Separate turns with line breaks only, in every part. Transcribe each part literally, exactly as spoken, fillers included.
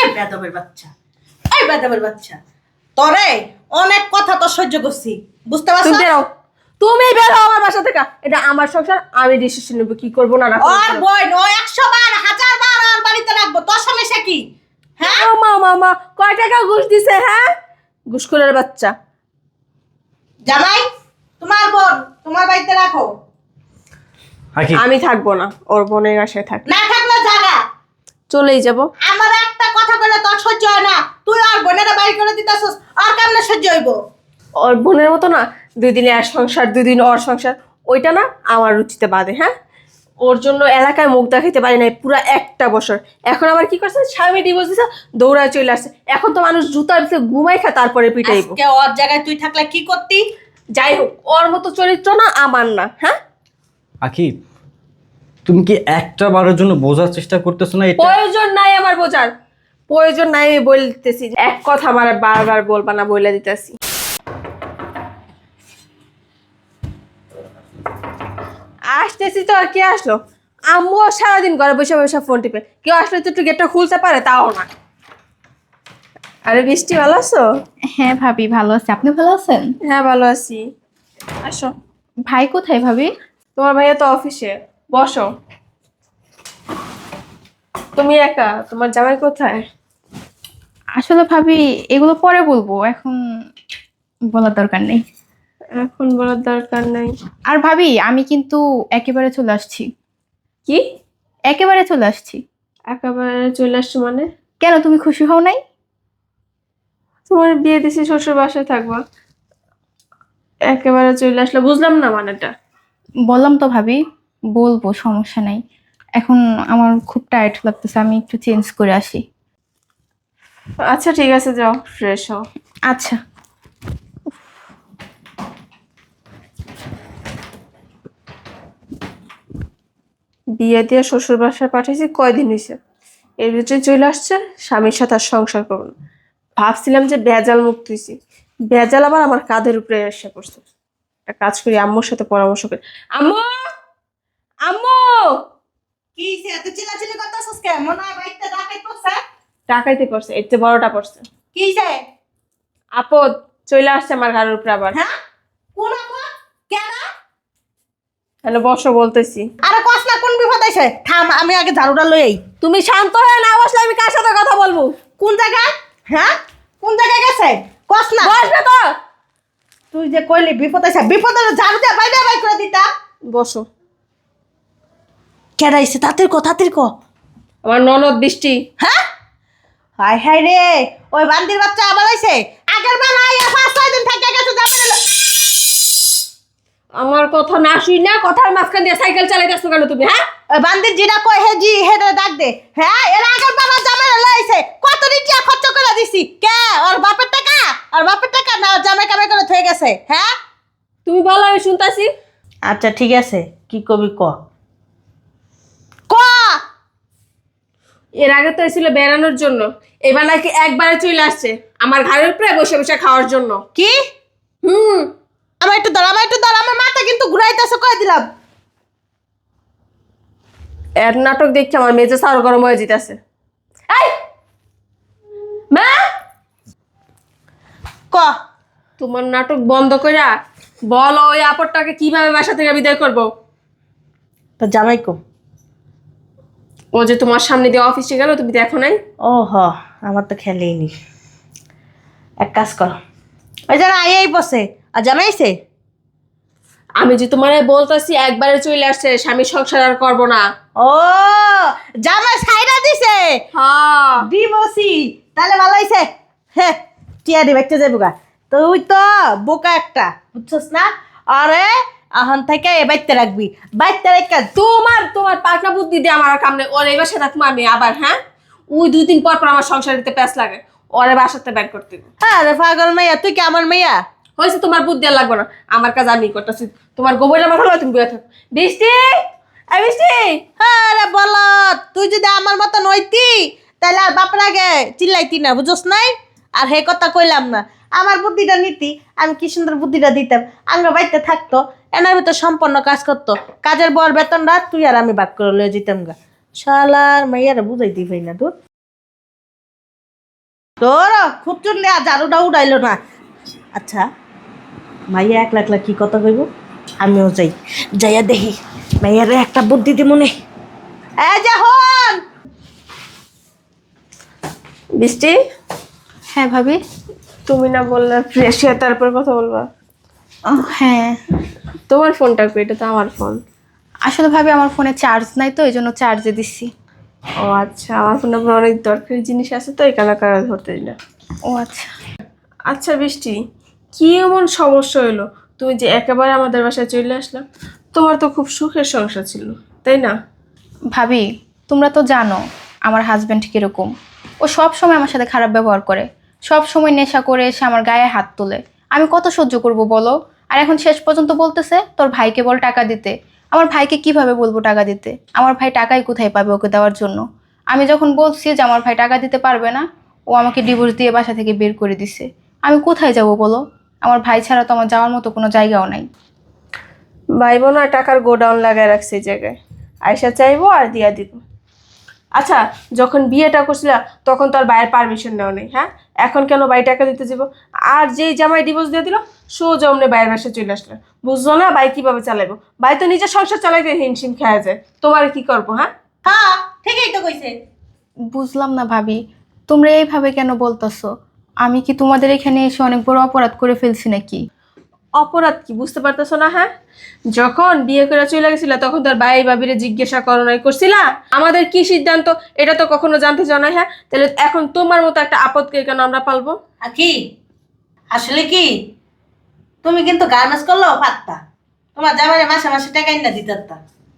এই বেদবের বাচ্চা, এই বেদবের বাচ্চা, তোরে অনেক কথা তো সহ্য করছি, বুঝতে
তুমি
পারছো?
বেরো, তুমি বেরো আমার বাসা থেকে। এটা আমার সংসার, আমি ডিসিশন নেব কি করবো না না করবো।
ওর বোন ও একশো বার হাজার বার আর বাড়িতে রাখবো, তোর সমস্যা কি? হ্যাঁ
মা মামা কয় টাকা ঘুষ দিছে? হ্যাঁ, ঘুষখোরের বাচ্চা।
জামাই, তোমার বোন তোমার বাড়িতে রাখো।
আখি
আমি থাকবো না, ওর বোনের বাসায় থাক।
না থাকলে জায়গা
চলেই যাব।
আমার একটা কথা বলে তোর সহ্য হয় না, তুই আর বোনেরা বাড়ি করে দিতেছস, আর কেমনে সহ্য হইব?
ওর বোনের মতো না, দুই দিনে এক সংসার দুই দিন ওর সংসার, ওইটা না আমার রুচিতে বাদে। হ্যাঁ, ওর জন্য এলাকায় মুখ দেখাইতে পারি নাই পুরো একটা বছর। এখন আবার কি করছে, স্বামী ডিভোর্স দিছে, দৌড়ায় চলে আসছে। এখন তো মানুষ জুতার ভিতরে ঘুমাই খায় তারপরে পিটাইব।
আজকে ওর জায়গায় তুই থাকলে কি করতি?
যাই হোক, ওর মতো চরিত্র না আমার না। হ্যাঁ,
আখি তুমি কি একটা বারের জন্য বোঝার চেষ্টা করতেছো না? এটা
প্রয়োজন নাই আমার বোঝার, প্রয়োজন নাই। আমি বলতেছি এক কথা আমার বারবার বলবা না, বলে দিতেছি। আসতেছি তো, আর কে আসলো? আম্মুও সারাদিন ঘরে বসে বসে ফোন টিপে, কেউ আসলে তো একটু গেটটা খুলতে পারে, তাও না। আরে বৃষ্টি, ভালো আছো?
হ্যাঁ ভাবি, ভালো আছি। আপনি ভালো আছেন?
হ্যাঁ ভালো আছি। আসো।
ভাই কোথায় ভাবি?
তোমার ভাইয়া তো অফিসে, বসো। তুমি একা, তোমার জামাই কোথায়?
আসলে ভাবি এগুলো পরে বলবো, এখন বলার দরকার নেই।
এখন বলার দরকার নাই।
আর ভাবি আমি কিন্তু একেবারে চলে আসছি।
কি?
একেবারে চলে আসছি।
একেবারে চলে আসছো মানে?
কেন, তুমি খুশি হও নাই?
তোমার বিয়ে দিছি, শ্বশুর বাসায় থাকবা, একেবারে চলে আসলে বুঝলাম না মানেটা।
বললাম তো ভাবি, বলবো, সমস্যা নাই। এখন আমার খুব টায়ার্ড লাগতেছে, আমি একটু চেঞ্জ করে আসি।
আচ্ছা ঠিক আছে, যাও ফ্রেশ হও।
আচ্ছা।
বিয়ে দিয়ে শ্বশুর বাসায় পাঠিয়েছি, কয়দিন হয়েছে, এর ভিতরে চলে আসছে স্বামীর সাথে আর সংসার করবো না। ভাবছিলাম যে ভেজাল মুক্ত হয়েছি, ভেজাল আবার আমার কাঁধের উপরে এসে পড়ছে। একটা কাজ করি, আম্মুর সাথে পরামর্শ করি। আম্মু, আম্মু!
কি সে এত চিল্লাচিল্লি করতেছস কেন? মনে হয় বাড়িতে ডাকাই পড়ছে।
টাকাইতে পড়ছে, এর চেয়ে বড়টা পড়ছে।
কি সে?
আপদ চলে আসছে আমার ঘরের উপরে আবার।
হ্যাঁ, কোন আপদ? কেন?
হ্যালো, বসো বলতেছি।
আরে কস না, কোন বিপদ আইছে? থাম, আমি আগে ঝাড়ুটা লই আই।
তুমি শান্ত হয়ে না বসলে আমি কার সাথে কথা বলবো?
কোন জায়গায়? হ্যাঁ, কোন জায়গায় গেছে? কস না।
বসবে তো।
তুই যে কইলি বিপদ আইছে, বিপদ হলে ঝাড়ু দিয়ে বাইরে বাই করে দিতাম।
বসো।
কেডা আইছে? তাড়াতাড়ি ক, তাড়াতাড়ি ক।
আমার ননদ বৃষ্টি।
হ্যাঁ, হাই হাই রে, ওই বান্দির বাচ্চা আবার আইছে। আগের বার আইয়া পাঁচ ছয় দিন থেকে গেছে, যাবে না।
আমার কথা না শুই না, কথার মাঝখান দিয়ে সাইকেল চালাইতেছো কেন তুমি? হ্যাঁ,
ওই বান্দির জিরা কই হে জি হেডে ডাক দে। হ্যাঁ, এর আগের বার জামাই লাইছে, কত রিটিয়া খরচ করে দিছি। কে? ওর বাপের টাকা? আর বাপের টাকা না জামাই কামাই করে থয়ে গেছে। হ্যাঁ,
তুমি বলো, আমি শুনতাছি।
আচ্ছা ঠিক আছে, কি কবি ক ক।
এর আগে তো এসেছিল বেড়ানোর জন্য, এবার নাকি একবারে চলে আসছে আমার ঘরের উপরে বসে বসে খাওয়ার জন্য।
কি?
হুম।
আমার একটু দাঁড়া, আমার একটু দাঁড়া, আমার মাথা কিন্তু ঘুরাইতেছে, কয়ে দিলাম।
এর নাটক দেখছি আমার মেজে সার গরম হয়ে যেতেছে। এই মা,
ক।
তোমার নাটক বন্ধ কইরা বলো ওই আপরটাকে কিভাবে বাসা থেকে বিদায় করব।
তো জামাই কো?
ও যে তোমার সামনে দিয়ে অফিসে গেল, তুমি দেখো নাই?
ও হ, আমার তো খেলেই নি। এক কাজ কর, ওই যারা আইয়াই বসে, আর জামাইছে।
আমি যে তোমার বলতেছি একবারে চলে আসছে, স্বামী সংসার আর করবো না।
ও, জামাই সাইরা দিছে।
হ্যাঁ,
দিবসি, তাহলে ভালো হইছে। হ্যাঁ, টিয়া দি বাইতে যাইব গা। তুই তো বোকা একটা, বুঝছস না? আরে আহন থেকে এ বাইতে রাখবি, বাইতে রেখে।
তোমার তোমার পাকা বুদ্ধি দিয়ে আমার আর কাম নেই। ওর এই বাসায় থাকবো আমি আবার। হ্যাঁ, ওই দুই দিন পর পর আমার সংসার দিতে প্যাঁচ লাগে, ওরে বাসাতে ব্যাগ করতে হবে।
আরে পাগল মাইয়া, তুই কি আমার মাইয়া?
হয়েছে, তোমার বুদ্ধি আর লাগবে না, আমার কাজ আমি করতেছি। তোমার গোবরের মাথা লয়, তুমি বয়ে থাকো। বৃষ্টি, এই বৃষ্টি।
আরে বল, তুই যদি আমার মতন হইতি তাহলে আর বাপের আগে চিল্লাইতি না, বুঝছস নাই? আর হে কথা কইলাম না, আমার বুদ্ধিটা নিতি, আমি কি সুন্দর বুদ্ধিটা দিতাম। আমরা বাড়িতে থাকতো, এনার ভিতর সম্পন্ন কাজ করতো, কাজের বর বেতনটা তুই আর আমি ভাগ করে লয়ে যেতাম গা। শালার মাইয়ারা বুঝাইতে পারি না তোর। তোর খুব চুনলে আর ঝাড়ুটা উড়াইলো না। আচ্ছা মাইয়া একলা একলা কি কথা কইব, আমিও যাই, যাইয়া দেখি মাইয়ারে একটা বুদ্ধি দি মনে। এই যে হন
বৃষ্টি,
হ্যাঁ ভাবি।
তুমি না বললে ফ্রেশ হয়ে তারপর কথা বলবা?
ও, হ্যাঁ
তোমার ফোনটা কই? এটা তো আমার ফোন।
আসলে ভাবি আমার ফোনে চার্জ নাই তো এই জন্য চার্জে দিচ্ছি।
ও আচ্ছা, আমার ফোনে আপনার অনেক দরকারি জিনিস আছে তো এই কারণে কারা ধরতে দিই না।
ও আচ্ছা।
আচ্ছা বৃষ্টি, কি এমন সমস্যা হলো তুমি যে একেবারে আমাদের বাসায় চলে আসলা? তোমার তো খুব সুখের সংসার ছিল, তাই না?
ভাবি তোমরা তো জানো আমার হাজব্যান্ড কিরকম। ও সব সময় আমার সাথে খারাপ ব্যবহার করে, সব সময় নেশা করে এসে আমার গায়ে হাত তোলে। আমি কত সহ্য করব বলো? আর এখন শেষ পর্যন্ত বলতেছে তোর ভাইকে বল টাকা দিতে। আমার ভাইকে কিভাবে বলবো টাকা দিতে? আমার ভাই টাকাই কোথায় পাবে ওকে দেওয়ার জন্য? আমি যখন বলছি যে আমার ভাই টাকা দিতে পারবে না, ও আমাকে ডিভোর্স দিয়ে বাসা থেকে বের করে দিছে। আমি কোথায় যাব বলো? আমার ভাই ছাড়া তো আমার যাওয়ার মতো কোনো জায়গাও নাই।
ভাই বোন আর টাকার গোডাউন লাগায় রাখছে এই জায়গায়, আয়সা চাইবো আর দিয়া দিব। আচ্ছা, যখন বিয়েটা করছিলা তখন তো আর ভাইয়ের পারমিশন নেওয়া নেই, হ্যাঁ? এখন কেন ভাই টাকা দিতে যাব? আর যেই জামাই ডিভোর্স দিয়ে দিল সোজা অমনি ভাইয়ের বাসায় চলে আসলে, বুঝলো না ভাই কিভাবে চালাইবো? ভাই তো নিজের সংসার চালাইতে হিমশিম খেয়ে যায়, তোমার কি করবো? হ্যাঁ
হ্যাঁ ঠিকই তো কইছে।
বুঝলাম না ভাবি, তোমরা এইভাবে কেন বলতেছো? আমি কি তোমাদের এখানে এসে অনেক বড় অপরাধ করে ফেলছি নাকি?
অপরাধ কি বুঝতে পারতেছো না? হ্যাঁ, যখন বিয়ে করে চলে গেছিলা তখন তার ভাই ভাবিরে জিজ্ঞাসা করো নাই করছিলা আমাদের কি সিদ্ধান্ত? এটা তো কখনো জানতে চাও না। হ্যাঁ, তাহলে এখন তোমার মতো একটা আপদকে কেন আমরা পালবো?
আর কি আসলে কি তুমি কিন্তু গার্মেন্টস করলো পারতা, তোমার জামাইরে মাসে মাসে টাকা না দিতারতা।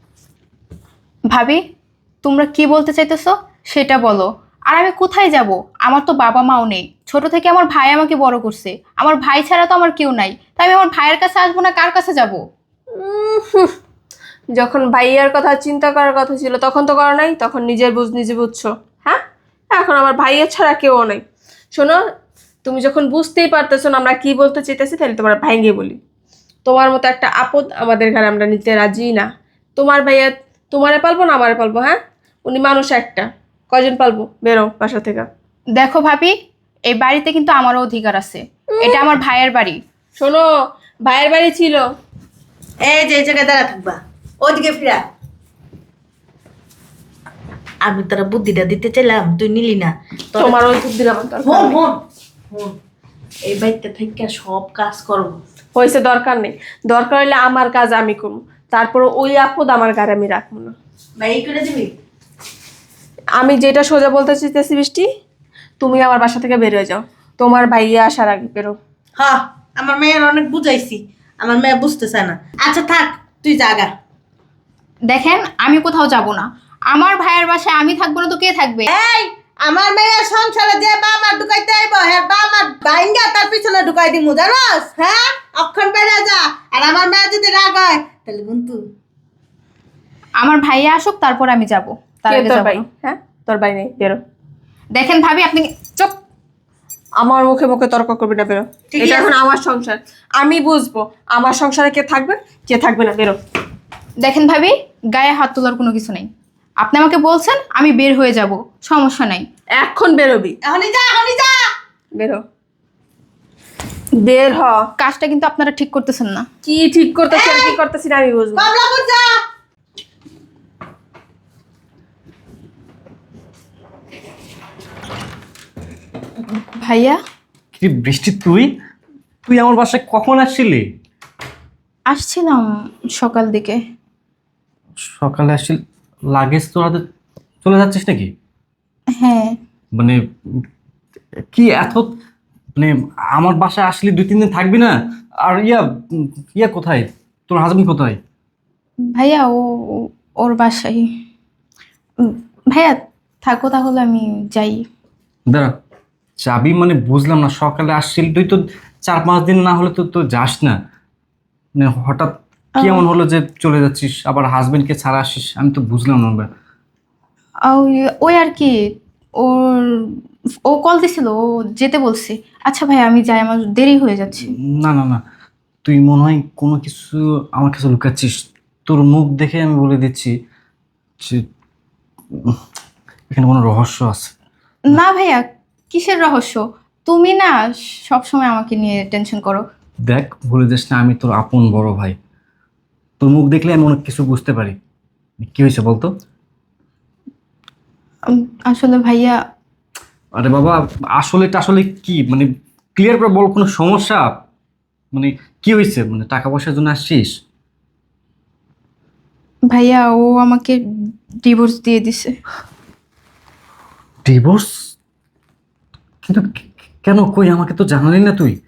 ভাবি তোমরা কি বলতে চাইতেছো সেটা বলো। আর আমি কোথায় যাব? আমার তো বাবা মাও নেই, ছোট থেকে আমার ভাই আমাকে বড় করছে। আমার ভাই ছাড়া তো আমার কেউ নাই, তাই আমি আমার ভাইয়ের কাছে আসবো না কার কাছে যাব?
উম, হুঁ, যখন ভাইয়ার কথা চিন্তা করার কথা ছিল তখন তো করো নাই, তখন নিজের বুঝ নিজে বুঝছো। হ্যাঁ, এখন আমার ভাইয়ের ছাড়া কেউ নাই। শোনো, তুমি যখন বুঝতেই পারতেছো না আমরা কি বলতে চাইতেছি, তাহলে তোমার ভাইঙ্গে বলি, তোমার মতো একটা আপদ আমাদের ঘরে আমরা নিতে রাজি না। তোমার ভাইয়া তোমারে পালবো না আমারে পালবো? হ্যাঁ, উনি মানুষ একটা, কয়জন পালবো? বেরো বাসা থেকে।
দেখো ভাবি, এই বাড়িতে কিন্তু আমারও অধিকার আছে, এটা আমার ভাইয়ের বাড়ি।
শোনো, ভাইয়ের বাড়ি ছিল।
এই যে এই জায়গায় দাঁড়া থাকবা, ওদিকে ফিরা। আমি তোরা বুদ্ধিটা দিতে চাইলাম, তুই নিলি না। তোর
তোমার ওই বুদ্ধি আমার দরকার
হন
নেই।
হন হন, এই বাড়িতে থেকে সব কাজ করবো।
হয়েছে, দরকার নেই। দরকার হলে আমার কাজ আমি করবো, তারপর ওই আপদ আমার গায়ে আমি রাখবো না।
ভাই করে দিবি।
আমি যেটা সোজা বলতে চাইতেছি বৃষ্টি, তুমি আমার বাসা থেকে বের হয়ে যাও, তোমার ভাইয়া আসার আগে বেরো।
হ্যাঁ, আমার মেয়ের অনেক বুঝাইছি, আমার মেয়ে বুঝতে চায় না। আচ্ছা থাক, তুই জাগা।
দেখেন আমি কোথাও যাব না, আমার ভাইয়ের বাসায় আমি থাকবো না তো কে থাকবে?
এই আমার মেয়ের সংসারে যে বাবা ঢুকাইতে আইব, হ্যাঁ বাবা বাইঙ্গা তার পিছনে ঢুকাই দিমু, জানোস? হ্যাঁ, অক্ষণ বেড়ে যা। আর আমার মেয়ে যদি রাগ হয় তাহলে কিন্তু
আমার ভাইয়া আসুক তারপর আমি যাব, তার
কে
আগে
তোর
যাবো
ভাই?
না।
হ্যাঁ, তোর ভাই নেই, বেরো।
দেখেন ভাবি আপনি
চুপ, আমার মুখে মুখে তর্ক করবি না, বেরো।
ঠিক
এটা
আছে।
এখন আমার সংসার, আমি বুঝবো আমার সংসারে কে থাকবে কে থাকবে না, বেরো।
দেখেন ভাবি, গায়ে হাত তোলার কোনো কিছু নেই। আপনি আমাকে বলছেন আমি বের হয়ে যাব, সমস্যা নাই।
এখন বেরোবি,
এখনই যা, এখনই যা।
বেরো, বের হ।
কাজটা কিন্তু আপনারা ঠিক করতেছেন না।
কি ঠিক করতেছি আর কি করতেছি না আমি বুঝবো।
কমলাপুর যা।
ভাইয়া
কি বৃষ্টি, তুই তুই আমার বাসায় কখন আসছিলি?
আসছিলাম সকাল দিকে।
সকালে আসছিলি? লাগেজ তোর হাতে চলে যাচ্ছিস নাকি?
হ্যাঁ
মানে কি এত, মানে আমার বাসায় আসলি দুই তিন দিন থাকবি না? আর ইয়া উম, ইয়া কোথায়, তোর হাজবেন্ড কোথায়?
ভাইয়া ও ও- ওর বাসায়। উম, ভাইয়া থাকো তাহলে আমি যাই।
দাঁড়া, যাবি মানে বুঝলাম না। সকালে আসছিলি তুই, তো চার পাঁচ দিন না হলে তো তো যাস না। মানে হঠাৎ কি এমন হলো যে চলে যাচ্ছিস, আবার হাজবেন্ডকে ছাড়া আসিস? আমি তো বুঝলাম না ভাই।
ওই- ওই আর কি, ওর ও কল দিছিল, ও যেতে বলছে। আচ্ছা ভাই আমি যাই, আমার দেরি হয়ে যাচ্ছে।
না না না, তুই মনে হয় কোনো কিছু আমার কাছে লুকাচ্ছিস। তোর মুখ দেখে আমি বলে দিচ্ছি যে উম, এখানে কোনো রহস্য আছে।
না ভাইয়া কিসের রহস্য? তুমি না সব সময় আমাকে নিয়ে টেনশন করো।
দেখ, ভুলে যাস না আমি তোর আপন বড় ভাই। তোর মুখ দেখলে আমি অনেক কিছু বুঝতে পারি। কি হয়েছে বলতো?
উম, আসলে ভাইয়া,
আরে বাবা, আসলে আসলে কি মানে ক্লিয়ার করে বল, কোনো সমস্যা মানে কি হয়েছে? মানে টাকা পয়সার জন্য আসছিস?
ভাইয়া ও আমাকে ডিভোর্স দিয়ে দিছে।
ডিভোর্স? কিন্তু কে- কেন? কই আমাকে তো জানালি না তুই।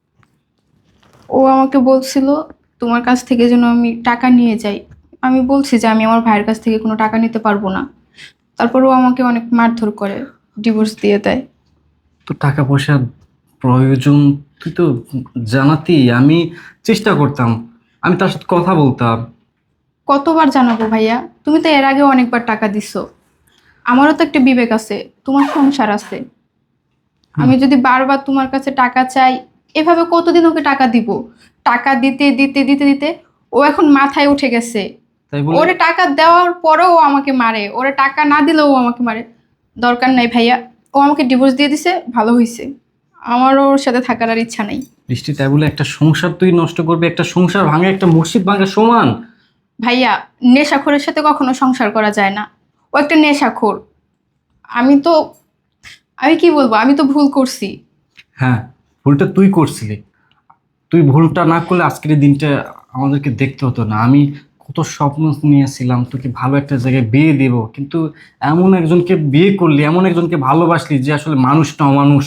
ও আমাকে বলছিল তোমার কাছ থেকে যেন আমি টাকা নিয়ে যাই। আমি বলছি যে আমি আমার ভাইয়ের কাছ থেকে কোনো টাকা নিতে পারবো না। তারপর ও আমাকে অনেক মারধর করে ডিভোর্স দিয়ে দেয়।
তো টাকা পয়সা প্রয়োজন, তুই তো জানাতি, আমি চেষ্টা করতাম, আমি তার সাথে কথা বলতাম।
কতবার জানাবো ভাইয়া? তুমি তো এর আগে অনেকবার টাকা দিছো। আমারও তো একটা বিবেক আছে, তোমার সংসার আছে। আমি যদি বারবার তোমার কাছে টাকা চাই, এভাবে কতদিন ওকে টাকা দিব? টাকা দিতে দিতে দিতে দিতে ও এখন মাথায় উঠে গেছে।
তাই বলে
ওরে টাকা দেওয়ার পরেও ও আমাকে মারে, ওরে টাকা না দিলেও ও আমাকে মারে। দরকার নাই ভাইয়া, ও আমাকে ডিভোর্স দিয়ে দিছে, ভালো হয়েছে। আমারও ওর সাথে থাকার আর ইচ্ছা নাই।
বৃষ্টি, তাই বলে একটা সংসার তুই নষ্ট করবি? একটা সংসার ভাঙে একটা মসজিদ ভাঙা সমান।
ভাইয়া, নেশাখোরের সাথে কখনো সংসার করা যায় না। ও একটা নেশাখোর। আমি তো আমি কি বলবো, আমি তো ভুল করছি।
হ্যাঁ, ভুলটা তুই করছিলি। তুই ভুলটা না করলে আজকের এই দিনটা আমাদেরকে দেখতে হতো না। আমি কত স্বপ্ন নিয়েছিলাম তোকে ভালো একটা জায়গায় বিয়ে দেব, কিন্তু এমন একজনকে বিয়ে করলি, এমন একজনকে ভালোবাসলি যে আসলে মানুষ না অমানুষ।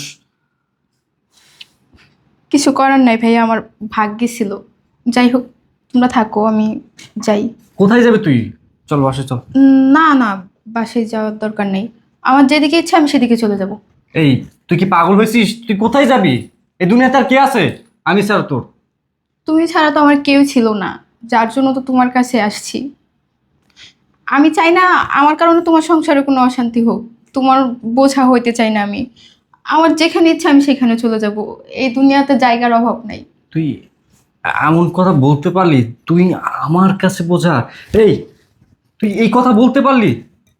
কিছু করার নাই ভাইয়া, আমার ভাগ্যে ছিল। যাই হোক, তোমরা থাকো, আমি যাই।
কোথায় যাবে তুই? চল বাসে চল।
উম, না না, বাসায় যাওয়ার দরকার নেই। আমার যেদিকে ইচ্ছা আমি সেদিকে চলে যাব।
এই, তুই কি পাগল হয়েছিস? তুই কোথায় যাবি? এই দুনিয়াতে আর কে আছে আমি ছাড়া তোর?
তুমি ছাড়া তো আমার কেউ ছিল না, যার জন্য তো তোমার কাছে আসছি। আমি চাই না আমার কারণে তোমার সংসারে কোনো অশান্তি হোক। তোমার বোঝা হইতে চাই না আমি। আমার যেখানে ইচ্ছা আমি সেখানে চলে যাব। এই দুনিয়াতে জায়গার অভাব নাই।
তুই এমন কথা বলতে পারলি? তুই আমার কাছে বোঝা? এই, তুই এই কথা বলতে পারলি?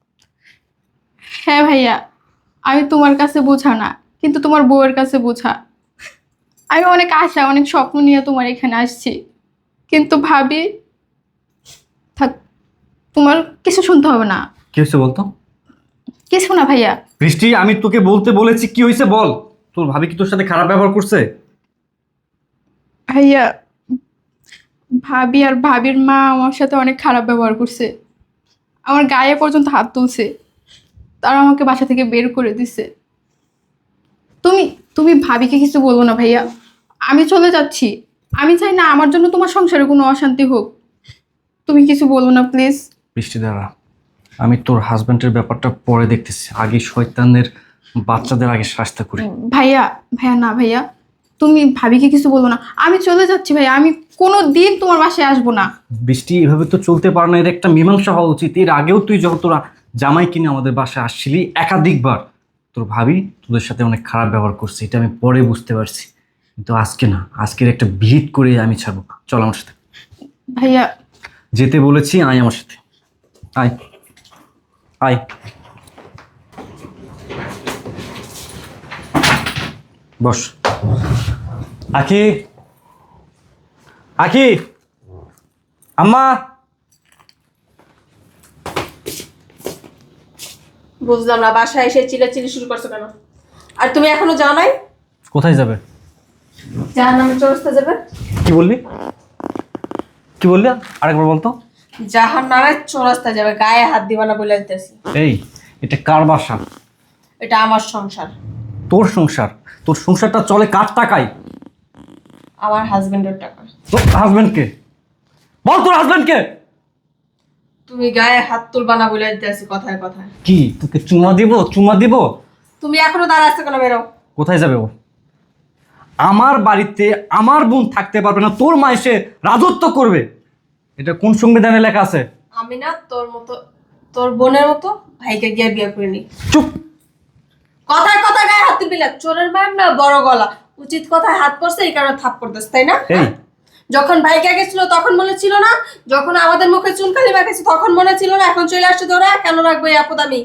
হ্যাঁ ভাইয়া, আমি তোমার কাছে বোঝা না, কিন্তু তোমার বউয়ের কাছে বোঝা। আমি অনেক আশা অনেক স্বপ্ন নিয়ে তোমার এখানে আসছি, কিন্তু ভাবি থাক, তোমার কিছু শুনতে হবে না।
কি হয়েছে বলতো?
কিছু না ভাইয়া।
বৃষ্টি, আমি তোকে বলতে বলেছি, কি হয়েছে বল। তোর ভাবি কি তোর সাথে খারাপ ব্যবহার করছে?
ভাইয়া, ভাবি আর ভাবির মা আমার সাথে অনেক খারাপ ব্যবহার করছে। আমার গায়ে পর্যন্ত হাত তুলছে। তারা আমাকে বাসা থেকে বের করে দিছে। তুমি তুমি ভাবিকে কিছু বলবো না ভাইয়া। আমি চলে যাচ্ছি। আমি চাই না আমার জন্য তোমার সংসারে কোনো অশান্তি হোক। তুমি কিছু বলো না প্লিজ।
বৃষ্টি দ্বারা, আমি তোর হাজবেন্ডের ব্যাপারটা পরে দেখতেছি, আগে শয়তানের বাচ্চাদের আগে শাস্তি করি।
ভাইয়া ভাইয়া না ভাইয়া, তুমি ভাবিকে কিছু বলো না। আমি চলে যাচ্ছি ভাইয়া, আমি কোনো দিন তোমার বাসায় আসবো না।
বৃষ্টি, এভাবে তো চলতে পারে না, এর একটা মীমাংসা হওয়া উচিত। এর আগেও তুই যখন তোরা জামাই কিনে আমাদের বাসায় আসছিলি একাধিকবার, তোর ভাবি তোদের সাথে অনেক খারাপ ব্যবহার করছে, এটা আমি পরে বুঝতে পারছি। কিন্তু আজকে না, আজকের একটা ভিড় করে আমি ছাড়বো। চল আমার সাথে।
ভাইয়া,
যেতে বলেছি, আয় আমার সাথে, আয় আয়। বস। আখি, আখি, আম্মা।
বুঝলাম না, বাসায় এসে চিল্লাচিল্লি শুরু করছো কেন? আর তুমি এখনো যাও নাই?
কোথায় যাবে?
জাহান্নামের চৌরাস্তা যাবে।
কি বললি? কি বললি আরেকবার বলতো।
জাহান্নামের চৌরাস্তা যাবে, গায়ে হাত দিবা না বলে দিতেছি।
এই, এটা কার বাসা?
এটা আমার সংসার।
তোর সংসার? তোর সংসারটা চলে কার টাকায়?
আমার হাজবেন্ডের টাকা।
তোর হাজবেন্ডকে বল, তোর হাজবেন্ডকে।
তুমি গায়ে হাত তুলবা না বলে দিতেছি কথায় কথায়।
কি তোকে চুমা দিব? চুমা দিব?
তুমি এখনো দাঁড়া আছো কেন? বেরো।
কোথায় যাবে ও? আমার বাড়িতে আমার বোন থাকতে পারবে না, তোর মা এসে রাজত্ব করবে? এটা কোন সংবিধানে লেখা আছে?
আমি না তোর মতো, তোর বোনের মতো ভাইকে গিয়ে বিয়ে করিনি।
চুপ।
কথায় কথায় গায়ে হাত তুলবি না। চোরের মায়ের না বড় গলা। উচিত কথায় হাত পড়ছে, এই কারণে থাপ পড়তেছে, তাই না?
এই,
যখন ভাইকে গেছিল তখন মনে ছিল না? যখন আমাদের মুখে চুনকালি মাখেছে তখন মনে ছিল না? এখন চলে আসছে তোরা, কেন রাখবো এই আপদ আমি?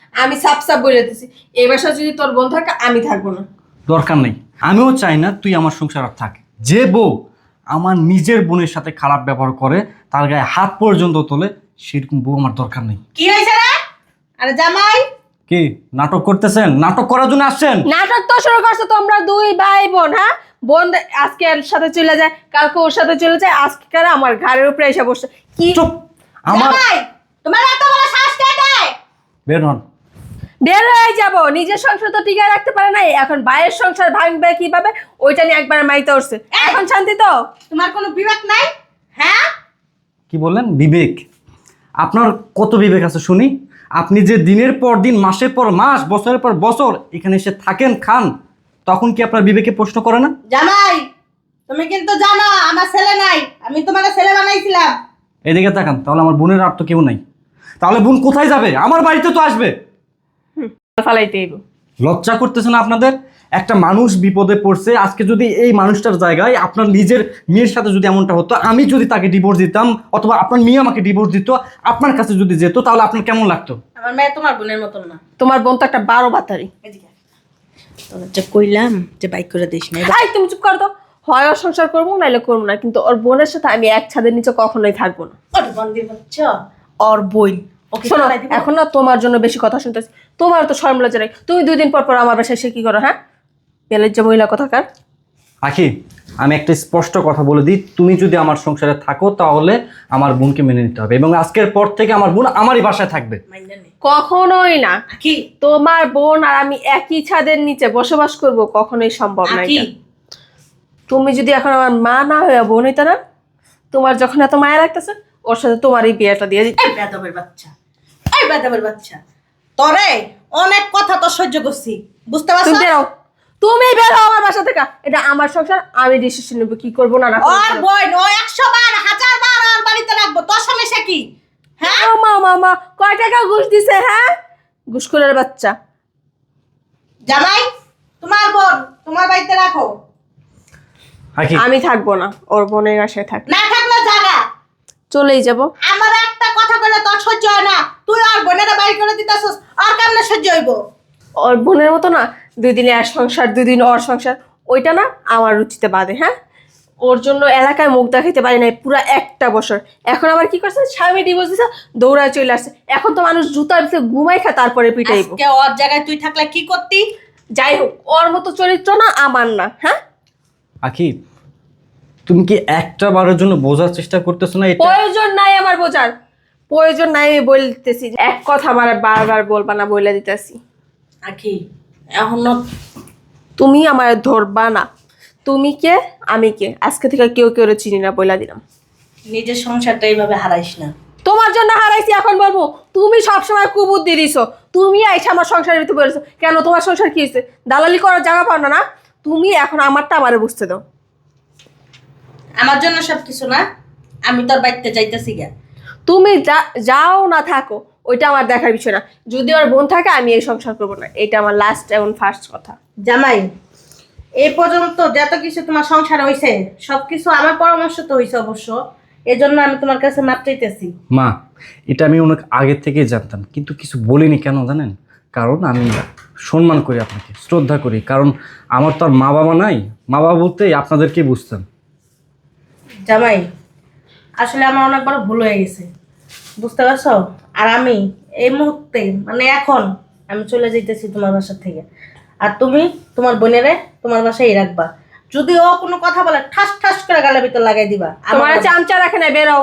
আমি সাপ সাপ বলে দিছি এই বাসা যদি তোর বোন থাকে আমি থাকবো না।
দরকার নেই, আমিও চাই না তুই আমার সংসার আর থাকে। যে বউ আমার নিজের বোনের সাথে খারাপ ব্যবহার করে, তার গায়ে হাত পর্যন্ত তোলে, সেরকম বউ আমার দরকার নেই।
কি হয়েছে রে? আরে জামাই,
কি নাটক করতেছেন? নাটক করার জন্য আসছেন?
নাটক তো শুরু করছো তোমরা দুই ভাই বোন। হ্যাঁ, বোন আজকে এর সাথে চলে যায়, কালকে ওর সাথে চলে যায়, আজকে আমার ঘাড়ের উপরে এসে বসছে। কি
চুপ! আমার
জামাই তোমার এত বড় শ্বাস কে দেয়?
বের হন।
বের হয়ে যাব, নিজের সংসার তো টিকায় রাখতে পারে নাই, এখন বাইরের সংসার ভাঙবে কিভাবে ওইটা নিয়ে একবার মাইতে উঠছে। এখন শান্তি তো?
তোমার কোনো বিবেক নাই? হ্যাঁ,
কি বললেন বিবেক? আপনার কত বিবেক আছে শুনি? আপনি যে দিনের পর দিন, মাসের পর মাস, বছরের পর বছর এখানে এসে থাকেন, খান, তখন কি আপনার বিবেকে প্রশ্ন করে না?
জামাই তুমি কিন্তু জানো আমার ছেলে নাই, আমি তোমার ছেলে বানাইছিলাম।
এদিকে তাকান, তাহলে আমার বোনের আর তো কেউ নাই। তাহলে বোন কোথায় যাবে? আমার বাড়িতে তো আসবে।
ফালাইতে এলো।
লজ্জা করতেছে না আপনাদের? একটা মানুষ বিপদে পড়ছে, আজকে যদি এই মানুষটার জায়গায় আপনার নিজের মেয়ের সাথে যদি এমনটা হতো, আমি যদি তাকে ডিভোর্স দিতাম, অথবা আপনার মেয়ে আমাকে ডিভোর্স দিত, আপনার কাছে যদি যেত, তাহলে আপনার কেমন লাগতো?
আমার মেয়ে তোমার বোনের মতন না।
তোমার বোন তো একটা বারো বাতারি।
তোর যে কইলাম যে বাইক করে দিস না।
এই তুমি চুপ কর তো। হয় ওর সংসার করবো নাইলে করবো না, কিন্তু ওর বোনের সাথে আমি এক ছাদের নিচে কখনোই থাকবো না।
ওর বন্দি হচ্ছ ওর বই। ওকে
শোনো, এখন না তোমার জন্য বেশি কথা শুনতেছি। তোমার তো শরম লজ্জা নাই। তুমি দুই দিন পর পর আমার বাসায় এসে কি করো? হ্যাঁ, বেলের যে মহিলা কথাকার।
আখি, আমি একটা স্পষ্ট কথা বলে দিই, তুমি যদি আমার সংসারে থাকো তাহলে আমার বোনকে মেনে নিতে হবে, এবং আজকের পর থেকে আমার বোন আমারই বাসায় থাকবে।
কখনোই না।
কি
তোমার বোন আর আমি একই ছাদের নিচে বসবাস করব, কখনোই সম্ভব না এটা। তুমি যদি এখন আমার মা না হয়ে বোন হইতে না, তোমার যখন এত মায়া লাগতেছে, ওর সাথে তোমার এই বিয়েটা দিয়ে দিই।
এই বেদবের বাচ্চা, এই বেদবের বাচ্চা, তোরে অনেক কথা তো সহ্য করছি, বুঝতে পারছো?
তুমি বেরো, তুমি বেরো আমার বাসা থেকে। এটা আমার সংসার, আমি ডিসিশন নেবো কি করবো না না করবো।
ওর বই ও একশো বার হাজার বার ওর বাড়িতে রাখবো, তোর সমস্যা কি? হ্যাঁ,
ও মা মা মা, কয় টাকা ঘুষ দিছে? হ্যাঁ, ঘুষখোরের বাচ্চা।
জামাই তোমার বোন তোমার বাড়িতে রাখো।
আখি,
আমি থাকবো না, ওর বোনের বাসায় থাক।
না থাকলে জায়গা
চলেই যাব।
আমার একটা কথা বলে তোর সহ্য হয় না, তুই আর বোনেরা বাড়ি করে দিতেছস, আর কেমনে সহ্য হইব?
ওর বোনের মতো না, দুই দিনে এক সংসার, দুই দিন ওর সংসার, ওইটা না আমার রুচিতে বাদে। হ্যাঁ, ওর জন্য এলাকায় মুখ দেখাইতে পারি নাই পুরো একটা বছর। এখন আবার কি করছে, স্বামী ডিভোর্স দিছে, দৌড়ায় চলে আসছে। এখন তো মানুষ জুতার ভিতরে ঘুমাই খায়, তারপরে পিটাইব।
আজকে ওর জায়গায় তুই থাকলে কি করতি?
যাই হোক, ওর মতো চরিত্র না আমার না। হ্যাঁ,
আখি, তুমি কি একটা বারের জন্য বোঝার চেষ্টা করতেছো না? এটা
প্রয়োজন নাই আমার বোঝার, প্রয়োজন নাই। আমি বলতেছি, এক কথা আমার বারবার বলবা না, বলে দিতেছি।
আখি এখন
তুমি আমার ধরবা না। তুমি কে, আমি কে, আজকে থেকে কেউ কেউ চিনি না, বইলা দিলাম।
নিজের সংসারটা এইভাবে হারাইস না।
তোমার জন্য হারাইছি, এখন বলবো তুমি সবসময় কুবুদ্ধি দিছো। তুমি আইসা আমার সংসারের ভিতরে বলেছো কেন? তোমার সংসার কি হয়েছে? দালালি করার জায়গা পাও না না? তুমি এখন আমারটা আমারে বুঝতে দাও।
আমার জন্য সব কিছু না, আমি তোর বাড়িতে যাইতেছি গা।
তুমি যা- যাও না থাকো, ওইটা আমার দেখার বিষয় না। যদি ওর বোন থাকে, আমি এই সংসার করবো না। এটা আমার লাস্ট এবং ফার্স্ট কথা।
জামাই এই পর্যন্ত যত কিছু তোমার সংসার হয়েছে সব কিছু আমার পরামর্শ তো হয়েছে অবশ্য, এজন্য আমি তোমার কাছে মাপ চাইতেছি।
মা, এটা আমি অনেক আগে থেকেই জানতাম, কিন্তু কিছু বলিনি। কেন জানেন? কারণ আমি সম্মান করি আপনাকে, শ্রদ্ধা করি, কারণ আমার তো আর মা বাবা নাই। মা বাবা বলতে আপনাদেরকে বুঝতাম।
জামাই আসলে আমার অনেক বড় ভুল হয়ে গেছে, বুঝতে পারছো? আর আমি এই মুহূর্তে মানে এখন আমি চলে যাইতেছি তোমার বাসা থেকে, আর তুমি তোমার বোনেরে তোমার বাসায় রাখবা। যদি ও কোনো কথা বলে ঠাস ঠাস করে গালের ভিতর লাগাই দিবা।
তোমার চামচা রাখে না, বেরো।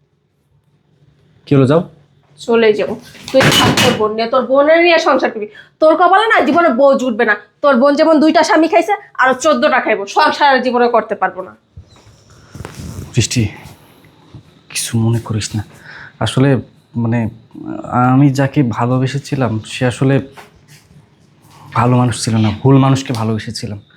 কি হলো, যাও।
চলে যাবো। তুই থাক তোর বোন নিয়ে, তোর বোনের নিয়ে সংসার করবি। তোর কপালে না জীবনে বউ জুটবে না। তোর বোন যেমন দুইটা স্বামী খাইছে, আরো চোদ্দটা খাইবো। সংসার আর জীবনে করতে পারবো না।
বৃষ্টি, কিছু মনে করিস না। আসলে মানে আমি যাকে ভালোবেসেছিলাম সে আসলে ভালো মানুষ ছিল না, ভুল মানুষকে ভালোবেসেছিলাম।